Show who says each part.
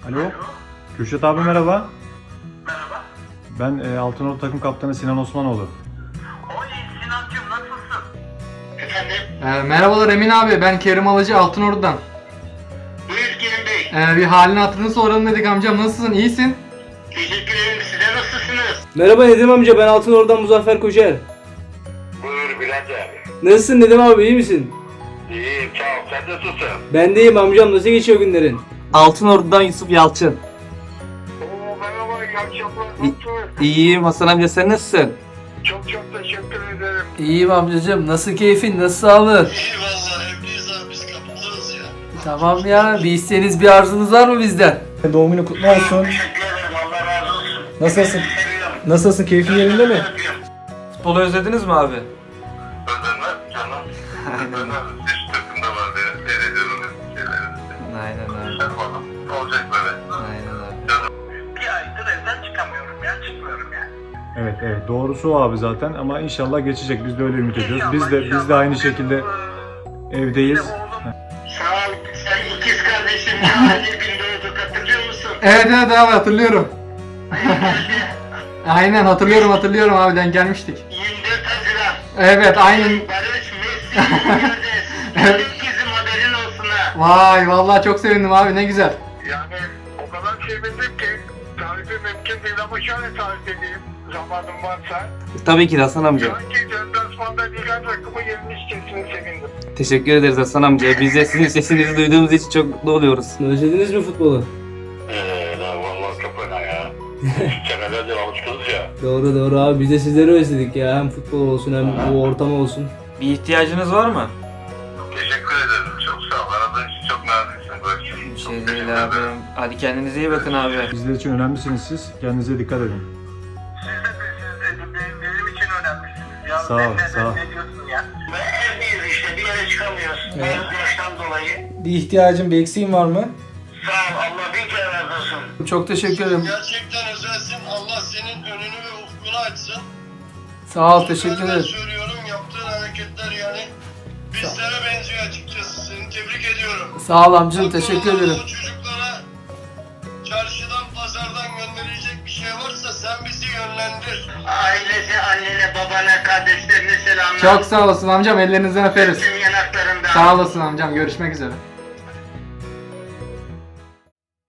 Speaker 1: Alo. Kürşat abi merhaba.
Speaker 2: Merhaba.
Speaker 1: Ben Altınordu takım kaptanı Sinan Osmanoğlu.
Speaker 2: Oy Sinancığım nasılsın? Efendim?
Speaker 3: Merhabalar Emin abi, ben Kerim Alıcı Altınordu'dan.
Speaker 2: Buyur Kerim Bey.
Speaker 3: Bir halini hatırını soralım dedik amcam, nasılsın, iyisin?
Speaker 2: Teşekkür ederim. Size nasılsınız?
Speaker 4: Merhaba Nedim amca, ben Altınordu'dan Muzaffer Koçer.
Speaker 2: Buyur Bülent abi.
Speaker 4: Nasılsın Nedim abi, iyi misin?
Speaker 2: İyiyim sağ ol. Sen nasılsın?
Speaker 4: Ben de iyiyim amcam, nasıl geçiyor günlerin?
Speaker 5: Altınordu'dan Yusuf Yalçın.
Speaker 2: Oo merhaba. İyi akşamlar. Nasılsın?
Speaker 5: İyiyim Hasan amca, sen nasılsın?
Speaker 2: Çok teşekkür ederim.
Speaker 3: İyiyim amcacığım, nasıl keyfin, nasıl sağlığın?
Speaker 2: İyi valla evliyiz abi biz kapıdayız ya.
Speaker 3: Tamam ya, bir isteğiniz, bir arzunuz var mı bizden?
Speaker 1: Doğum günü kutlu olsun.
Speaker 2: Teşekkür ederim. Allah razı olsun.
Speaker 1: Nasılsın?
Speaker 2: Seviyorum.
Speaker 1: Nasılsın? Keyfin yerinde mi?
Speaker 5: Futbolu özlediniz mi abi?
Speaker 2: Özlemez canım. Özlemez. Hiç takımda var diye seyrediyorum şeyleri.
Speaker 5: Aynen abi.
Speaker 2: Olacak böyle.
Speaker 5: Aynen abi.
Speaker 2: Bir aydır evden çıkamıyorum ya. Çıkmıyorum yani.
Speaker 1: Evet doğrusu o abi zaten ama inşallah geçecek. Biz de öyle ümit ediyoruz. Biz de aynı şekilde evdeyiz.
Speaker 2: Sağ ol. Sen ikiz kardeşim ya. Ali Gündoğdu hatırlıyor musun?
Speaker 3: Evet abi, hatırlıyorum. Aynen hatırlıyorum abi, denk gelmiştik.
Speaker 2: 24 Haziran.
Speaker 3: Evet aynen.
Speaker 2: Barış, Messi, Fernandes. Evet. İkizim haberin olsun ha.
Speaker 3: Vay vallahi çok sevindim abi, ne güzel.
Speaker 2: Yani o kadar sevindim ki tarifi mümkün değil ama şöyle tarif edeyim zamanım varsa.
Speaker 5: Tabii ki de Hasan amca.
Speaker 2: Sanki deplasmanda liga takımı yenmiş kesin sevindim.
Speaker 5: Teşekkür ederiz Hasan amca. Biz de sizin sesinizi duyduğumuz için çok mutlu oluyoruz.
Speaker 4: Özlediniz mi futbolu?
Speaker 2: Vallahi çok fena ya. Senelerdir alışkınız ya.
Speaker 4: Doğru abi, biz de sizleri özledik ya, hem futbol olsun hem bu ortam olsun.
Speaker 5: Bir ihtiyacınız var mı?
Speaker 2: Teşekkür ederim. Çok sağ ol. Aradığın için çok naziksin. Böyle.
Speaker 5: Bir şey değil abi. Hadi kendinize iyi bakın abi.
Speaker 1: Bizler için önemlisiniz siz. Kendinize dikkat edin.
Speaker 2: Siz de benim için önemlisiniz ya.
Speaker 1: Sağ ol, sağ ol.
Speaker 2: Ne diyorsun ya? Ve evdeyiz işte bir yere çıkamıyoruz.
Speaker 3: Evet.
Speaker 2: Yaştan dolayı.
Speaker 3: Bir ihtiyacın, bir eksiğin var mı?
Speaker 2: Sağ ol. Allah bin kere razı olsun.
Speaker 3: Çok teşekkür ederim.
Speaker 6: Gerçekten özelsin. Allah senin önünü ve ufkunu açsın.
Speaker 3: Sağ ol, teşekkür
Speaker 6: Ben
Speaker 3: ederim.
Speaker 6: söylüyorum, yaptığın hareketler yani bizlere benziyor açıkçası. Seni tebrik ediyorum.
Speaker 3: Sağ ol amcım, teşekkür
Speaker 6: Aklına
Speaker 3: ederim.
Speaker 6: o çocuklara çarşıdan, pazardan gönderilecek bir şey varsa sen bizi yönlendir.
Speaker 2: Ailesi, annene, babana, kardeşlerine selamlar.
Speaker 3: Çok sağ olasın amcam, ellerinizden öperiz.
Speaker 2: Tüm yanaklarından.
Speaker 3: Sağ olasın amcam, görüşmek üzere.